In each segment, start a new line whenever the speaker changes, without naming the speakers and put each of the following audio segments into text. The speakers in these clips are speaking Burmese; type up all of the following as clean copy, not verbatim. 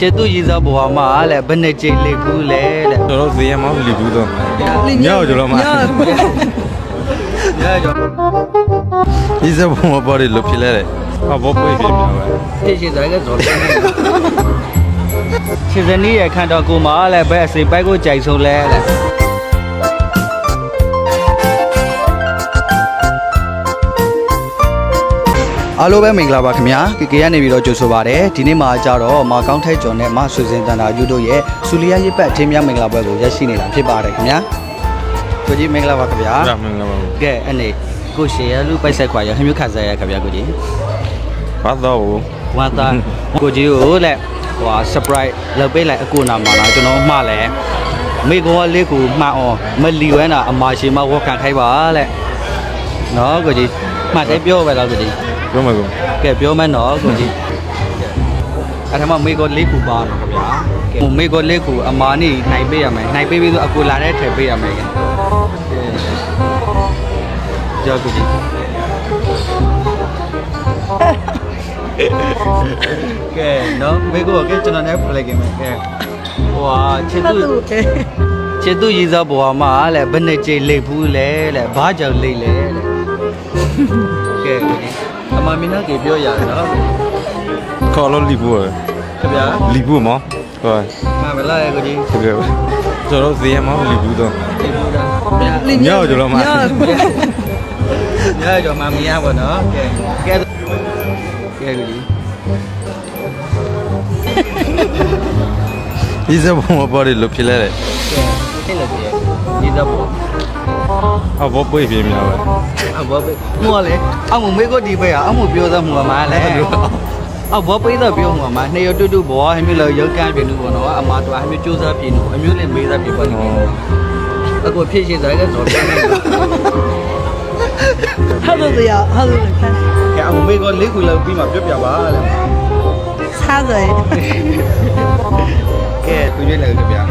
ကျေသူရည်စားဘွားမလဲဘယ်နဲ့ကြိတ်လေးဘူးလဲတဲ့
ကျွန်တော်ဈေးရမောင်းလီဘူးတော့ညောကျွန်တော်မှာ
ရကြော
ဒီစဘုံပေါ်ရလို့ဖြစ်လဲတဲ့ဟာဘောပွေးဖြစ်မှာပဲ
တိရှိစားကဇော်တယ်ခြေစနီးရခန့်တော်ကိုမလဲဘယ်အစိပိုက်ကိုကြိုက်ဆုံးလဲတဲ့အားလုံးပဲမင်္ဂလာပါခင်ဗျာကေကနေပြီးတော့ကြိုဆိုပါရစေဒီနေ့မှာကြတော့မကောင်းထိုက်ကျော်နဲ့မဆွေစင်တန်တာယူတို့ရဲ့စူလီယာရစ်ပတ်အထင်းများမင်္ဂလာပွဲကိုရရှိနေတာဖြစ်ပါတယ်ခင်ဗျာကိုကြီးမင်္ဂလာပါခင်ဗျာ
မင်္ဂလာပါ
ကဲအနေကိုရှေရလူပိုက်ဆက်ခွာရခမျိုးခစားရခင်ဗျာကိုကြီး
ဘာတော့
ဝါသားကိုကြီးကိုလက်ဟို surprise လောက်ပေးလိုက်အကူနာမှာလားကျွန်တော်မှားလဲမိကောလေးကိုမှားအောင်မလီဝဲတာအမရှိမဝက်ခံခိုင်းပါလက်နော်ကိုကြီးမှတ်တယ်ပြောပဲလားကိုကြီး
ပြောမှာကော
ကဲပြောမယ်နော်ကိုကြီးအဲ့ဒါမှမိကောလေးကိုပါတော့ခင်ဗျာကဲမိကောလေးကိုအမာနေနိုင်ပေးရမယ်နိုင်ပေးပြီးဆိုအကူလာတဲ့ထည့်ပေးရမယ်ကဲကြောက်ကိုကြီးကဲနော်မိကောကဲကျွန်တော်လည်းဖလိုက်ကင်မယ်ကဲဟွာချစ်သူရည်စားဘွားမလဲဘယ်နဲ့ကြိတ်လိတ်ဘူးလဲတဲ့ဘာကြောင့်လိတ်လဲတဲ့ကဲကိုကြီးအမမင်းကပြောရတယ်နော်
ခေါ်လို့လီဘူး
ခင်ဗျာ
လီဘူးမောဟုတ်
မှန်ပါလားကိုကြီး
ဟုတ်ကဲ့ကျွန်တော်ဈေးရမောင်းလီဘူးတော့
လီဘူးလား
ညောကျွန်တော်မှာ
ညကြောမှမရပါတော့ကဲကိုကြီး
ဒီစဘုံပေါ်ရလို့ဖြစ်လဲတဲ့
အဲ့လိုကြီးဒီတော့ဘော
ဟာဘောပွေးဖြစ်မှာပဲ
ဘောပဲမောလေအမမေကိုဒီပဲအမပြောသားမှာမလဲဘောပိတော့ပြောမှာမနှစ်ရတူတူဘောဟမျိုးလောက်ရောက်ကန်ပြနေဘောနော်အမတော်ဟမျိုးစူးစမ်းပြနေအမျိုးလည်းမေးသားပြပါလိမ့်မယ်အခုဖြစ်ရှိစားကဇော်တယ်
ဟုတ်လို့တရားဟုတ်လို့ခန်း
ကဲအမမေကလေးခုလောက်ပြီးမှပြောပြပါလေ
စားတယ်
ကဲသူရွေးလိုက်ကြဗျာ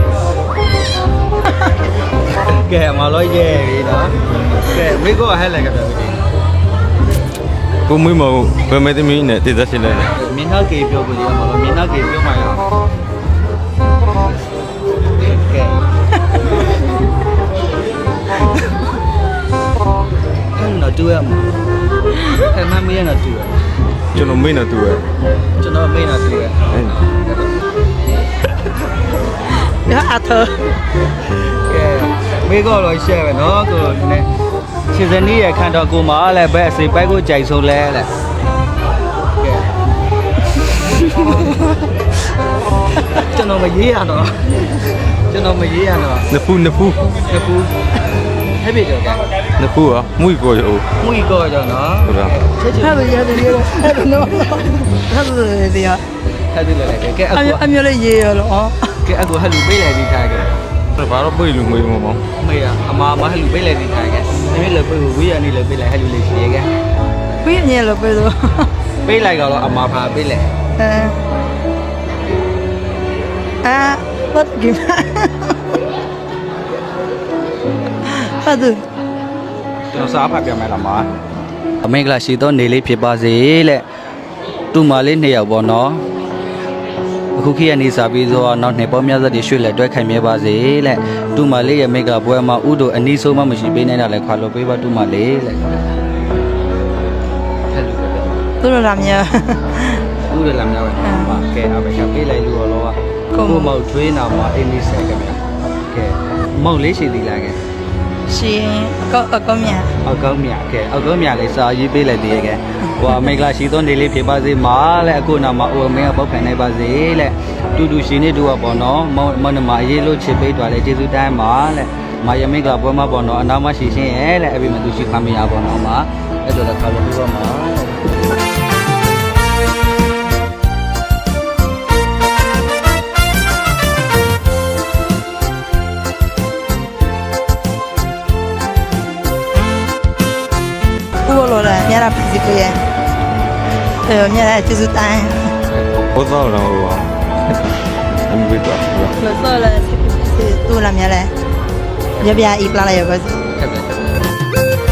ကဲမလို့ရဲပြီနော်ကဲမေကဟဲ့လိုက်ကြဗျာ
ကိုမွေးမဘယ်မဲ့သမီးနဲ့တည်သက်ရှင်လဲ
မင်းသားကေပြောကိုဒီမှာလို့မင်းသားကေပြောမှရအောင်ကဲနော်တူရမအဲ့မမေးရနော်တူရ
ကျွန်တော်မေးနေတူရ
ကျွန်တော်မေးနော်တူရ
ရအထ
ကဲမေးတော့ရှယ်ပဲနော်ကိုနည်းခြေစနီးရခန့်တော်ကိုမလဲဘယ်အစိပိုက်ကိုကြိုက်ဆုံးလဲတဲ့ကဲကျွန်တော်မရေးရတော့
နဖူး
ဟဲ့ပြီတော့ကဲ
နဖူးอ่ะမွေကိုရော
မွေကိုကြောနော်
ဟုတ်လား
ဟုတ်ရတယ်ဟုတ်နော်ဟုတ်တယ်တရား
ဟဲ့ဒီလေကဲ
အမျိုးလေးရေးရလို့
ကဲအခုဟဲ့လူပေးလိုက်ဒီခါကဲ
ဘာတော့ပွေးလူငွေမော
မေးရအမဟဲ့လူပေးလိုက်ဒီခါကဲနည်းလေပေးဝေးရနေလေပေးလိုက်ဟဲ့လူလေးရှိရကဲ
ပေးနေလို့ပေးတော့
ပေးလိုက်တော့အမဖာပေးလိုက်
what give ဟုတ်တယ်
ကျွန်တော်စားဖတ်ပြမယ်လားမအမင်္ဂလာရှိသောနေလေးဖြစ်ပါစေလက်တူမလေး2ယောက်ပေါ့နော်အခုခေတ်ကနေစားပြီးတော့နောက်နှစ်ပေါင်းများစွာတည်းရွှေ့လက်တွဲခိုင်မြဲပါစေလက်တူမလေးရဲ့မိကပွဲမှာဥတို့အနီးဆုံးမှမရှိပေးနိုင်တာလဲခွာလို့ပေးပါတူမလေးလက်
သူတို့လာမြ
ဥတို့လာမြပဲပါကဲအဘကပေးလိုက်လို့တော့ကိုမောက်ထွေးနာမှာအင်းလေးဆယ်ကဗျာကဲမောက်လေးရှိသေးလားကဲ
ရှင်အကောင်းမြတ်
အကောင်းမြတ်လေးစာရေးပေးလိုက်သေးရဲ့ကဲဟိုအမေကလာရှိသောနေလေးဖြစ်ပါစေမာလဲအခုနာမှာအိုမင်းကပေါက်ခံနိုင်ပါစေလက်တူရှင်နေတူကပေါ့နော်မနမအေးလို့ချစ်ပေးသွားလဲကျေးဇူးတိုင်းပါလက်မာယမိကပွဲမှာပေါ့နော်အနာမရှိရှင်းရဲ့လက်အပိမသူရှိခမရပေါ့နော်မှာအဲ့တော့လည်းခါလို့ပြောမှာ
ညရာပစ္စည်းကိုရညရာကျေးဇူးတိုင်း
ဘောတော့တော့အမေကတော့
လို့ဆိုလဲတူလာမြလဲရပြအီပလာလိုက်ရပါစေ